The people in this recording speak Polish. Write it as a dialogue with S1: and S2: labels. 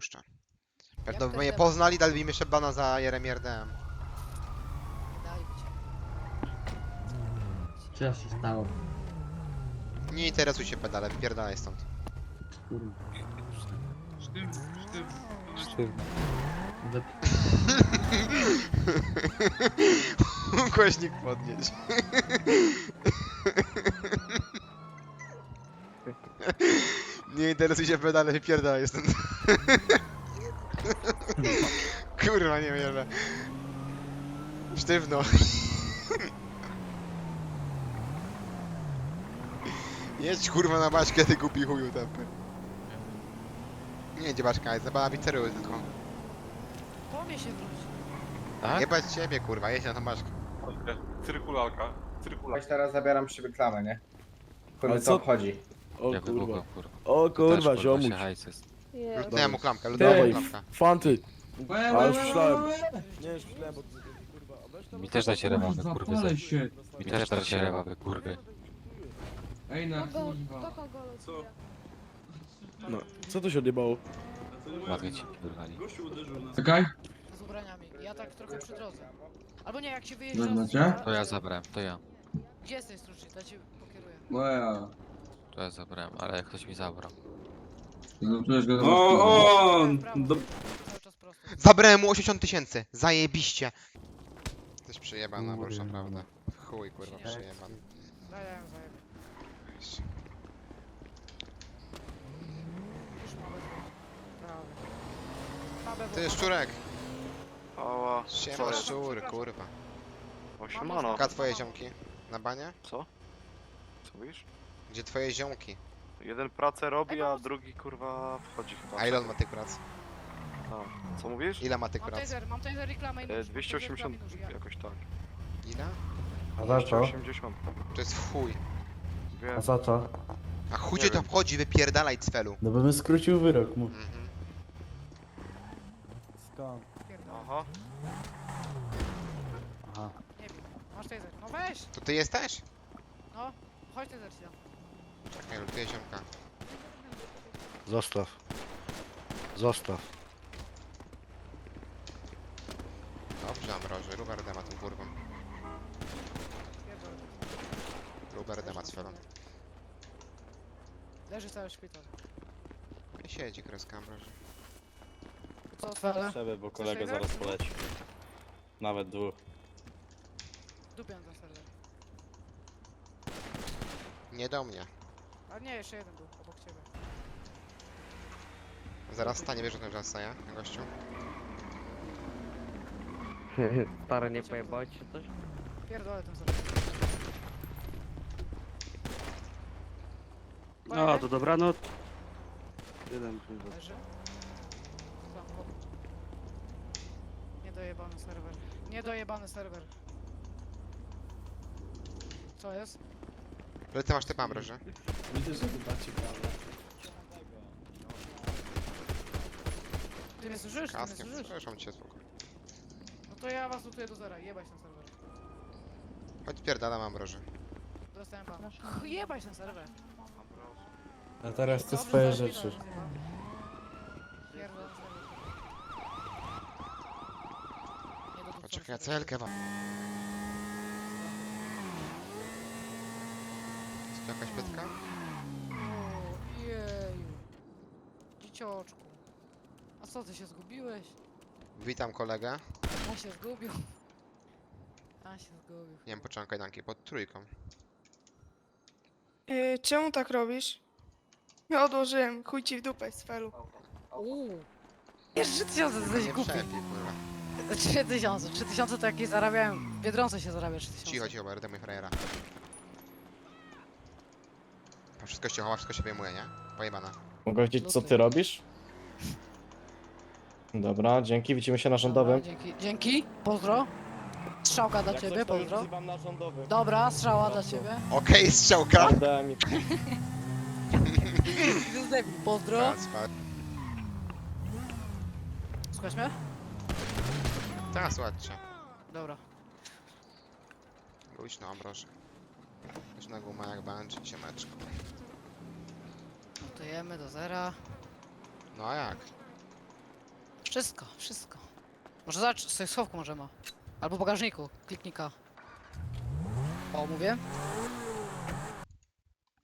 S1: puszczę. Pewno by
S2: ten
S1: mnie
S2: temat?
S1: poznali, dali mi jeszcze bana za Jeremierdem.
S2: Daj mi cię.
S3: Co się stało?
S1: Nie interesuj się pedale, wypierdalaj stąd.
S3: Kurwa.
S4: Sztywno.
S1: Głośnik podnieść. Nie interesuj się pedale, wypierdalaj stąd. Kurwa, nie wierzę. Sztywno. Jedź kurwa na baśkę, ty głupi chuju tępy. Nie jedzie baśka, jest zabawa pizzery tylko.
S2: Po mnie się wróć.
S4: Tak?
S1: Jebać ciebie kurwa, jedź na tą baśkę.
S5: Cyrkulalka.
S6: Weź teraz zabieram przy klamę, nie? Chuj
S7: Ale
S6: co
S7: co-
S6: obchodzi.
S7: O
S4: Ja
S7: kurwa.
S4: wybucham, kurwa.
S7: O kurwa,
S4: Też,
S7: ziomuś.
S4: się hajs jest.
S1: Lutnę mu klamkę,
S7: Ty,
S1: lutnę mu klamkę.
S7: fanty. A już myślałem. Nie, już myślałem, bo kurwa. a weź tam-
S4: Mi też dajcie rewawy, kurwy.
S8: Zapalę się.
S4: Mi też dajcie rewawy, kurwy.
S8: Ej, na
S2: Do
S8: kurwa.
S2: kogo losuje?
S7: No, co to się odjebało?
S4: Ładnie ci wyrwali.
S8: Czekaj.
S2: Z ubraniami. Ja tak trochę przy drodze. Albo nie, jak się wyjeżdża
S8: Dobra,
S2: z...
S8: cię?
S4: To ja zabrałem, to ja.
S2: Gdzie jesteś, Struczy? Ja cię pokieruję.
S8: Moja.
S4: To ja zabrałem, ale ktoś mi zabrał.
S8: Zobaczyłeś go
S2: O, do... Cały czas prosto.
S1: Zabrałem mu 80 000, zajebiście. Coś przejebana, bo już naprawdę. Chuj kurwa, przejebany.
S2: Daj, ja ją zajebę. Już mamy prawie. Prawe
S1: Ty szczurek.
S5: Ała.
S1: Siema szczur, kurwa.
S5: O, siemano.
S1: Gdzie twoje ziomki? Na banie?
S5: Co? Co mówisz?
S1: Gdzie twoje ziomki?
S5: Jeden pracę robi, a drugi kurwa wchodzi chyba.
S1: A ile on ma tych prac?
S5: A, co mówisz?
S1: Ile ma tych prac?
S2: Mam taser reklamę i nóż.
S5: 280 jakoś tak.
S1: Ile?
S6: A za co?
S5: 280.
S1: To jest w chuj.
S5: Wiem.
S6: za co?
S1: A chuj
S5: Nie
S1: cię to
S5: wiem.
S1: wchodzi, wypierdalaj cfelu.
S7: No bo bym skrócił wyrok, mów.
S1: Mhm.
S7: Skąd?
S5: Aha.
S7: Aha.
S2: Nie wiem. Masz taser. No weź!
S1: To ty jesteś?
S2: No, chodź taser ci dam.
S1: Czekaj, lutuję ziomka.
S9: Zostaw. Zostaw.
S1: Dobrze, Amroży, Ruber dema tą kurwą.
S2: Pierdolę.
S1: Ruber dema cfelu.
S2: Leży cały szpital.
S1: Nie siedzi kreska Amroży.
S2: Co otwarte?
S3: Trzeba, bo
S2: kolega
S3: kolega
S2: zaraz
S3: zaraz poleci. Nawet dwóch.
S2: Dupiam ten serwer.
S1: Nie do mnie.
S2: A nie, jeszcze jeden był obok ciebie.
S1: Zaraz stanie, wiesz o tym, że staje, gościu?
S10: Stary, nie pojebałeś się coś?
S2: Pierdolę ten serwer.
S3: No, to dobranoc. Jeden kurwa.
S2: Leży. Zamko. Niedojebany serwer. Niedojebany serwer. Co jest?
S1: Ale ty masz typ Amroży.
S7: Widzę, że wybacie prawda.
S2: Ty mnie słyszysz? Ty mnie
S1: Kaskiem,
S2: słyszysz?
S1: słyszą cię spoko.
S2: No to ja was lutuję do zera. Jebać ten serwer.
S1: Chodź pierdalam Amroży.
S2: Dostałem pana. Jebać ten serwer.
S7: A teraz te
S2: Dobrze,
S7: swoje
S2: zaraz
S7: rzeczy.
S2: widzę, pierdolę serwer. Nie do dupca
S1: Poczekaj,
S2: serwer.
S1: celkę wam. Jest tu jakaś pytka?
S2: O, jeju. Dziecioczku. A co, ty się zgubiłeś?
S1: Witam kolegę.
S2: A się zgubił. A się zgubił.
S1: Nie wiem, poczekam kajdanki pod trójką.
S11: Czemu tak robisz? Ja odłożyłem, chuj ci w dupę z felu.
S2: Jeszcze 3000 to jesteś
S1: Nie
S2: głupi.
S1: przepiej, kurwa.
S2: 3000. 3000 to jakieś zarabiałem. W Biedronce się zarabia 3000.
S1: Cicho, cicho, będę mój frajera. To wszystko się chowa, wszystko się wyjmuje, nie? Pojebana.
S7: Mogę wiedzieć, co ty robisz? Dobra, dzięki, widzimy się na rządowym.
S2: Dobra, dzięki. Dzięki. Pozdro. Strzałka dla ciebie, pozdro.
S7: na rządowym.
S2: Dobra, strzała dla ciebie.
S1: Okej, strzałka!
S7: Daj mi.
S2: Pozdro.
S1: Kacper.
S2: Słuchasz mnie?
S1: Teraz ładcie.
S2: Dobra.
S1: Luźno, Ambroży. Luźna guma jak bungee, ciemeczko.
S2: Notujemy do zera.
S1: No a jak?
S2: Wszystko, wszystko. Może zobacz, sobie w schowku może ma. Albo w bagażniku, kliknika. O, mówię?